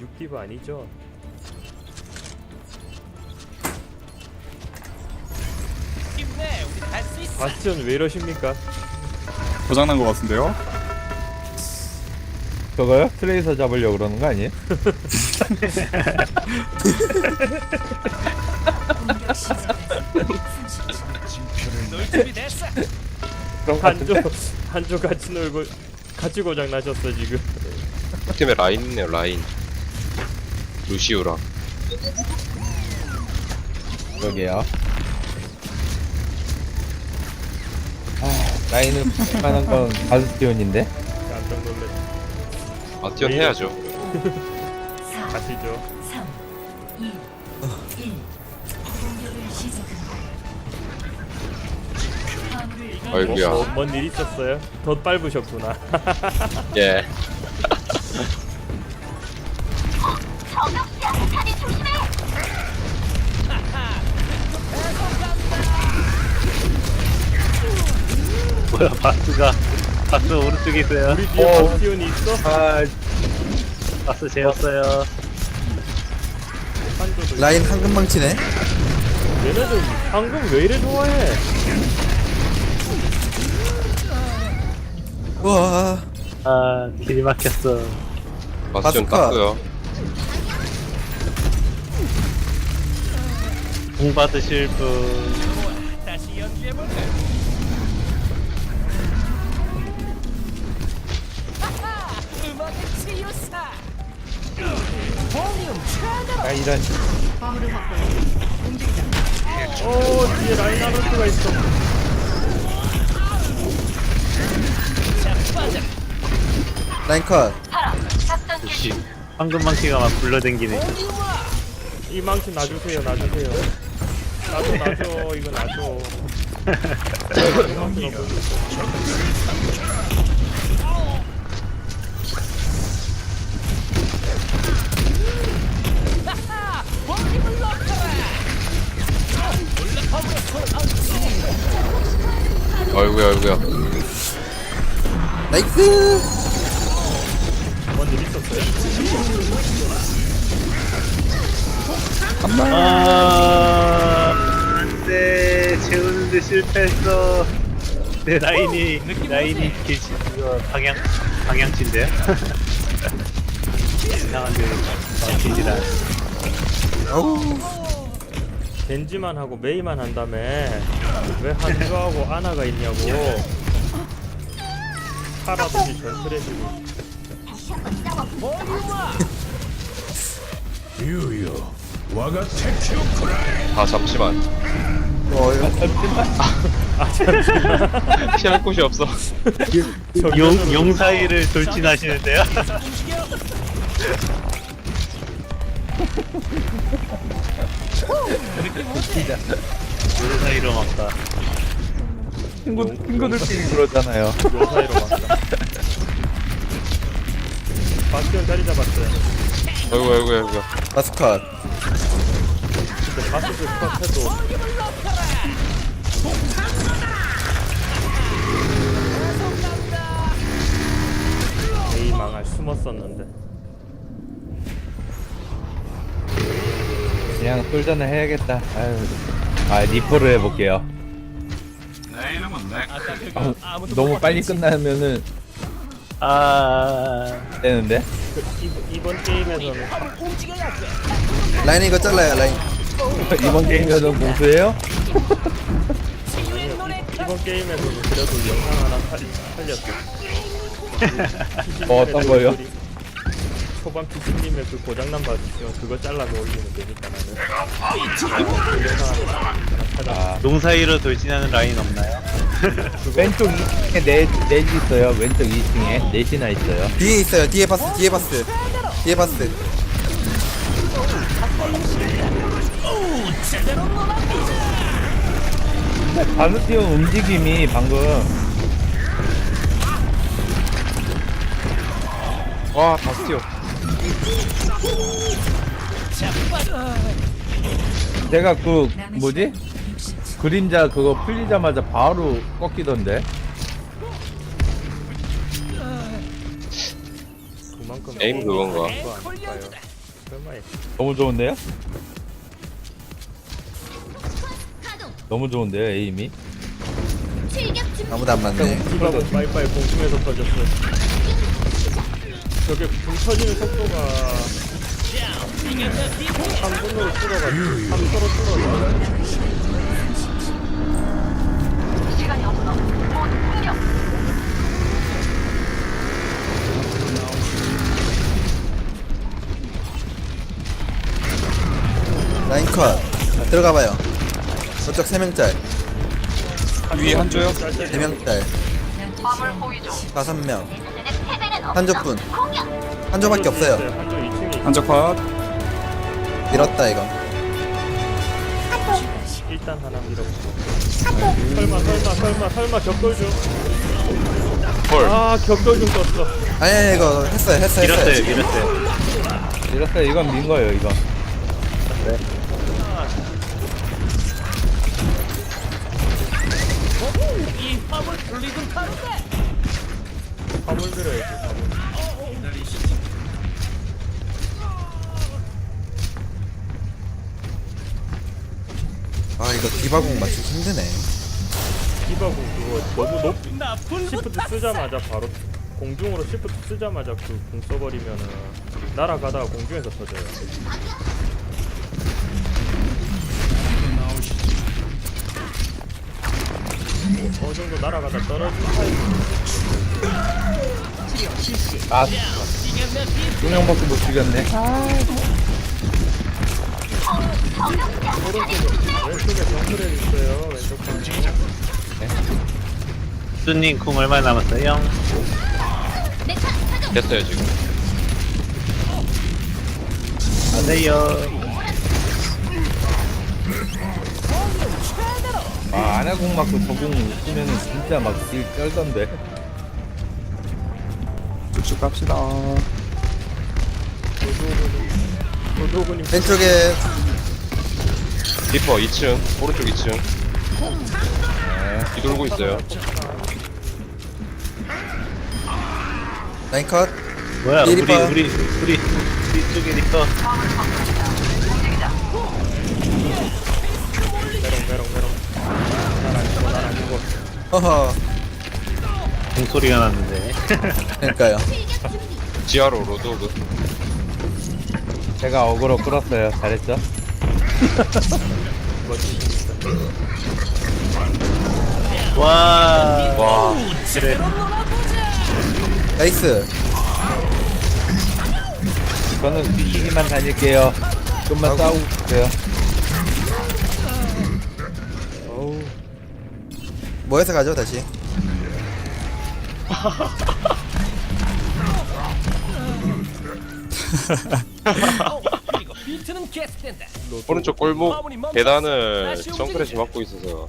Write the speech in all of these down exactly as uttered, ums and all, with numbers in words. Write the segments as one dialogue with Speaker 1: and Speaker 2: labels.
Speaker 1: 육디브 아니죠?
Speaker 2: 힘내, 우리 할 수 있어.
Speaker 1: 바스티온 왜 이러십니까?
Speaker 3: 고장난 것 같은데요?
Speaker 4: 그거요? 트레이서 잡으려고 그러는 거 아니에요?
Speaker 2: 놀 준비 됐어.
Speaker 4: 그런 거
Speaker 1: 한조
Speaker 4: 같은데?
Speaker 1: 한조 같이 놀고 같이 고장 나셨어 지금.
Speaker 5: 팀에 라인 있네요, 라인. 루시우랑.
Speaker 4: 그러게요. 아, 라인을 하는 건 바스티온인데?
Speaker 1: 깜짝 놀랐.
Speaker 5: 아, 띄언 해야죠.
Speaker 1: 가시죠.
Speaker 6: 삼, 이, 일. 공격을 시작합니다. 화물을
Speaker 5: 아이구야.
Speaker 1: 뭐, 뭔일 있었어요? 덧 밟으셨구나.
Speaker 5: 예.
Speaker 7: 뭐야 바스가 바스 오른쪽에 있어요.
Speaker 1: 우리 뒤에
Speaker 4: 어.
Speaker 1: 바스티온이 있어?
Speaker 4: 아,
Speaker 7: 바스 재웠어요.
Speaker 1: 한조도.
Speaker 8: 라인 황금망치네.
Speaker 1: 얘네들 방금 왜 이래 좋아해?
Speaker 8: 우와.
Speaker 7: 아 길이 막혔어.
Speaker 5: 바스전
Speaker 8: 바스카.
Speaker 5: 땄고요.
Speaker 7: 공 받으실 분.
Speaker 2: 다시 연기해볼래. 하하, 음악의 치유사. 볼륨 최대로.
Speaker 4: 아 이런.
Speaker 1: 오 뒤에 라인 아르트가 있어.
Speaker 8: 라인 컷.
Speaker 7: 역시 황금망치가 막 굴러댕기네.
Speaker 1: 이 망치 놔주세요, 놔주세요. 놔줘, 놔줘, 이거 놔줘.
Speaker 2: 볼륨을 높여라.
Speaker 5: 아이구야, 아이구야.
Speaker 8: 나이스.
Speaker 1: 뭔일 있었어요?
Speaker 7: 아 안돼 재우는데 실패했어. 내 라인이 라인이 길치 이거 방향 방향치인데요? 이상한데 방향치라.
Speaker 8: 어우.
Speaker 1: 겐지만 하고 메이만 한 다음에 왜 한조하고 아나가 있냐고. 파라든지 전트레시고.
Speaker 5: 아, 잠시만.
Speaker 8: 어, 이거
Speaker 5: 피할 곳이 없어.
Speaker 7: 용, 용 사이를 돌진하시는데요? 용 사이로 막다.
Speaker 4: 친구, 친구들끼리 그러잖아요.
Speaker 1: 요 사이로 막다. 바스티온 자리 잡았어요.
Speaker 5: 아이고, 아이고, 아이고.
Speaker 8: 바스 컷.
Speaker 1: 근데 바스를 컷해도 에이 망할 숨었었는데.
Speaker 4: 그냥 솔전을 해야겠다. 아유. 아, 리포를 해볼게요. 아, 너무 빨리 끝나면은
Speaker 7: 아,
Speaker 4: 되는데?
Speaker 1: 그, 이번, 이번 게임에서는
Speaker 8: 라인 이거 잘라요, 라인.
Speaker 4: 이번 게임에서는 공수해요?
Speaker 1: 이번 게임에서는 그래도 영상 하나 살, 살렸어.
Speaker 4: 어, 어떤 거요?
Speaker 1: 초반 피치님의 그 고장난 바스티온 그거 잘라서 올리면 되니까 나는 그 영상 하나 찾아.
Speaker 4: 아,
Speaker 7: 용 사이로 돌진하는 라인 없나요?
Speaker 4: 왼쪽 이 층에 넷, 넷 있어요. 왼쪽 이 층에 넷이나 있어요.
Speaker 8: 뒤에 있어요. 뒤에 바스, 뒤에 바스. 뒤에 바스.
Speaker 4: 바스티온 움직임이 방금
Speaker 5: 와, 바스티온.
Speaker 4: 제가 그 뭐지? 그림자 그거 풀리자마자 바로 꺾이던데.
Speaker 1: 그만큼
Speaker 5: 에임 그건가?
Speaker 1: 거 아닐까요? 설마 해.
Speaker 4: 너무 좋은데요? 너무 좋은데요, 에임이?
Speaker 8: 아무도 안 맞네.
Speaker 1: 디바고 빠이빠이 공중에서 터졌어. 저게 불 터지는 속도가 삼 분으로 줄어가지고 삼 초로 줄어서
Speaker 8: 라인 컷. 들어가봐요. 저쪽 세 명짤,
Speaker 3: 위에 한조요?
Speaker 8: 네 명짤, 다섯 명. 한조뿐. 한조밖에 없어요.
Speaker 1: 한조 이 층에
Speaker 3: 한조 컷.
Speaker 8: 밀었다 이거.
Speaker 1: 일단 하나 밀어보고. 설마 설마 설마 설마 격돌 중.
Speaker 5: 헐.
Speaker 1: 아 격돌 중 떴어.
Speaker 8: 아니 아니 이거 했어요 했어요
Speaker 7: 밀었어요,
Speaker 8: 했어요.
Speaker 7: 밀었어요.
Speaker 4: 이랬어요. 이건 민 거예요, 이건.
Speaker 2: 이 화물 리듬 타는데.
Speaker 1: 화물 들어야지. 화물.
Speaker 8: 아 이거 디바공 맞추기 힘드네.
Speaker 1: 디바고 그거 너무 높.
Speaker 2: 나쁜
Speaker 1: 시프트 쓰자마자 바로 공중으로 시프트 쓰자마자 그 공 써버리면은 날아가다가 공중에서 터져요. 뭐, 어느 정도 날아가다 떨어진 타입.
Speaker 4: 아, 두 명밖에 못 죽였네.
Speaker 1: 오른쪽에 왼쪽에 정크레 있어요. 왼쪽 방.
Speaker 7: 수님 궁 얼마 남았어요?
Speaker 5: 됐어요 지금.
Speaker 7: 가세요.
Speaker 4: 아, 아나공 맞고 저공 쓰면은 진짜 막딜 쩔던데.
Speaker 3: 쭉쭉 갑시다.
Speaker 1: 도도군님
Speaker 8: 왼쪽에
Speaker 5: 리퍼 이 층, 오른쪽 이 층. 뒤돌고 있어요.
Speaker 8: 라인 컷.
Speaker 7: 뭐야,
Speaker 8: 이
Speaker 7: 우리,
Speaker 8: 리퍼.
Speaker 7: 우리, 우리, 우리 쪽에 리퍼.
Speaker 1: 메롱 메롱 메롱. 난안 죽어 난안 죽어.
Speaker 8: 허허.
Speaker 7: 공소리가 났는데.
Speaker 8: 그러니까요.
Speaker 5: 지하로 로드오그.
Speaker 4: 제가 어그로 끌었어요. 잘했죠?
Speaker 7: 와,
Speaker 5: 와.
Speaker 7: 그래.
Speaker 8: 나이스.
Speaker 4: 저는 뒤지기만 다닐게요. 좀만 싸우고 있어요.
Speaker 1: 어우
Speaker 8: 뭐해서 가죠 다시.
Speaker 2: 그리고 비트는 계속된다.
Speaker 5: 오른쪽 골목 계단을 정크레시 막고 있어서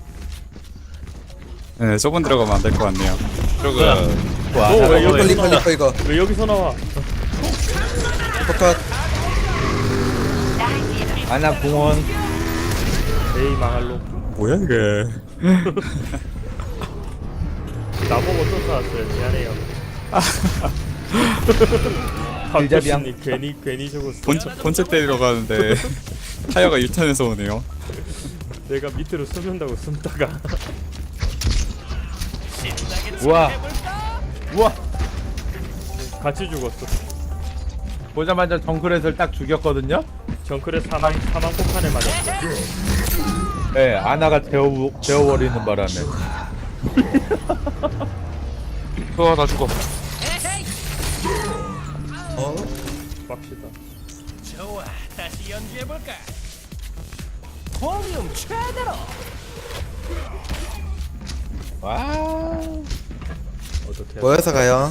Speaker 3: 네, 저분 들어가면 안 될 것 같네요.
Speaker 5: 쪽은
Speaker 4: 와,
Speaker 1: 오, 왜
Speaker 4: 아나공
Speaker 1: 여기-
Speaker 8: 리퍼 리퍼 리퍼 이거.
Speaker 1: 왜 여기서 나와?
Speaker 8: 컷.
Speaker 4: 아나공원.
Speaker 1: 에이 망할로.
Speaker 3: 뭐야 이게?
Speaker 1: 나보고 쫓아왔어요. 미안해요.
Speaker 4: 길잡이양.
Speaker 1: 박교수님 괜히 괜히 죽었어.
Speaker 3: 본체 본체 때리러 가는데 타이어가 일 턴에서 오네요.
Speaker 1: 내가 밑으로 숨는다고 숨다가
Speaker 4: 우와. 우와.
Speaker 1: 같이 죽었어.
Speaker 4: 보자마자 정크렛을 딱 죽였거든요?
Speaker 1: 정크레 사망 사망 폭탄에 맞았어.
Speaker 4: 네, 아나가 재워, 재워버리는 바람에.
Speaker 5: 우와 나 죽어.
Speaker 8: 어?
Speaker 1: 빡시다.
Speaker 2: 좋아, 다시 연기해볼까? 볼륨 최대로.
Speaker 4: 와.
Speaker 1: 어떻게?
Speaker 8: 뭐해서 가요?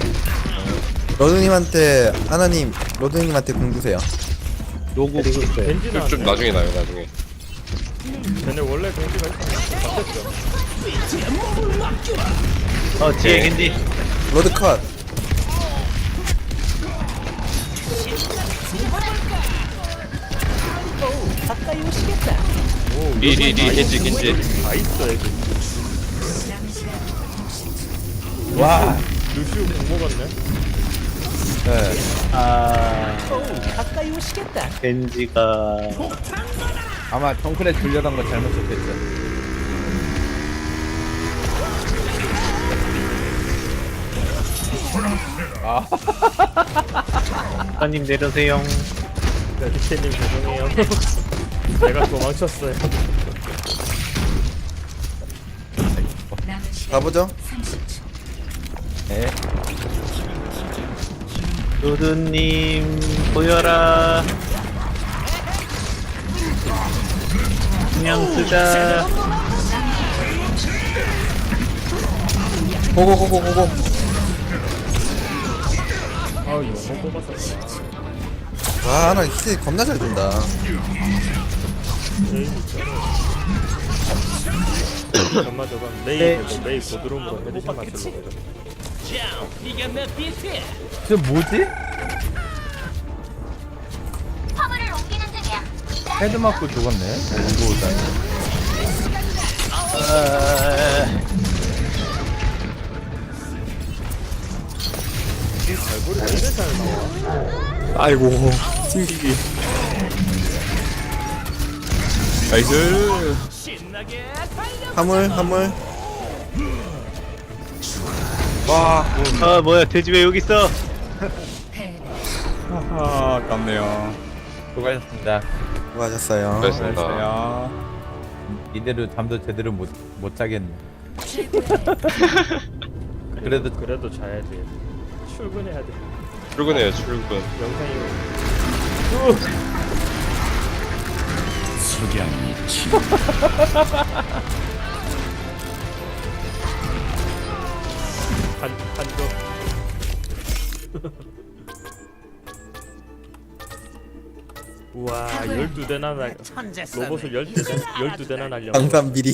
Speaker 8: 로드님한테 하나님 로드님한테 공 주세요.
Speaker 4: 요거 그
Speaker 1: 겐지나.
Speaker 5: 좀 나중에 나요 나중에.
Speaker 1: 쟤네 원래 겐지가 있었는데 바뀌었죠.
Speaker 7: 어, 뒤에 겐지.
Speaker 8: 로드 컷.
Speaker 2: 가까이 오시겠다.
Speaker 5: 리리리 겐지 겐지.
Speaker 1: 다 있어 애들.
Speaker 4: 와.
Speaker 1: 루시우 공 먹었네.
Speaker 4: 네.
Speaker 7: 아,
Speaker 2: 가까이 가까이 오시겠다.
Speaker 7: 겐지가
Speaker 4: 아마 정크레 줄려던 거 잘못 쳤겠죠. 아,
Speaker 7: 아님 내려세요.
Speaker 1: 메디케님 죄송해요. 내가 도망쳤어요.
Speaker 6: 남은 시간
Speaker 8: 가보죠.
Speaker 6: 삼십 초.
Speaker 4: 네.
Speaker 7: 두두님 보여라. 그냥 쓰자.
Speaker 8: 고고고고고고.
Speaker 1: 아우 영혼 뽑았어.
Speaker 8: 와, 나 힐 겁나 잘 준다.
Speaker 1: 메이 있잖아. 엄마 저건 메이 되고 메이 고드롬으로 헤드샷 맞추려고 그래.
Speaker 2: 자, 이게 내 비트.
Speaker 4: 저 뭐지? 헤드 맞고 죽었네. 오도다니.
Speaker 1: 발골이 왜 이래 잘 나와?
Speaker 3: 아이고 튕기기. 나이스.
Speaker 2: 신나게 달려.
Speaker 8: 화물, 화물.
Speaker 3: 와.
Speaker 7: 아 뭐야 돼지 왜 여기 있어?
Speaker 6: 패배.
Speaker 3: 하하 아깝네요.
Speaker 4: 수고하셨습니다.
Speaker 8: 수고하셨어요.
Speaker 5: 그렇습니다.
Speaker 3: 안녕하세요.
Speaker 4: 이대로 잠도 제대로 못, 못 자겠네.
Speaker 1: 그래도 그래도 자야 돼. 출근해야 돼.
Speaker 5: 출근해요 출근.
Speaker 1: 영상이 한 한조. 우와 열두 대나 날 로봇을 열두 대 열두 대나 날려.
Speaker 8: 방산 미리.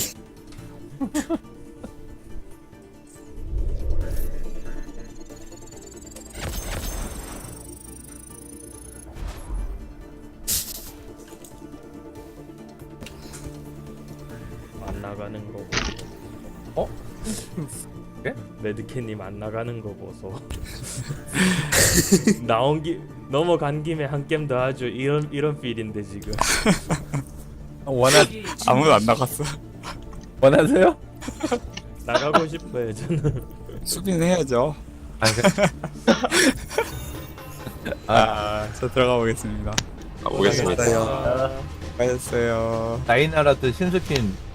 Speaker 1: 안 나가는 거.
Speaker 4: 어? 예?
Speaker 1: 매드캣님 안 나가는 거 보소. 나온 기 넘어간 김에 한 게임 더 하죠. 이런 이런 필인데 지금.
Speaker 4: 원하,
Speaker 3: 아무도 안 나갔어.
Speaker 4: 원하세요?
Speaker 1: 나가고 싶어요 저는.
Speaker 3: 수비는 해야죠.
Speaker 4: 아, 그,
Speaker 3: 아, 저 들어가 보겠습니다.
Speaker 5: 가보겠습니다.
Speaker 8: 수고하셨어요.
Speaker 3: 수고하셨어요.
Speaker 4: 다이나라트 신스킨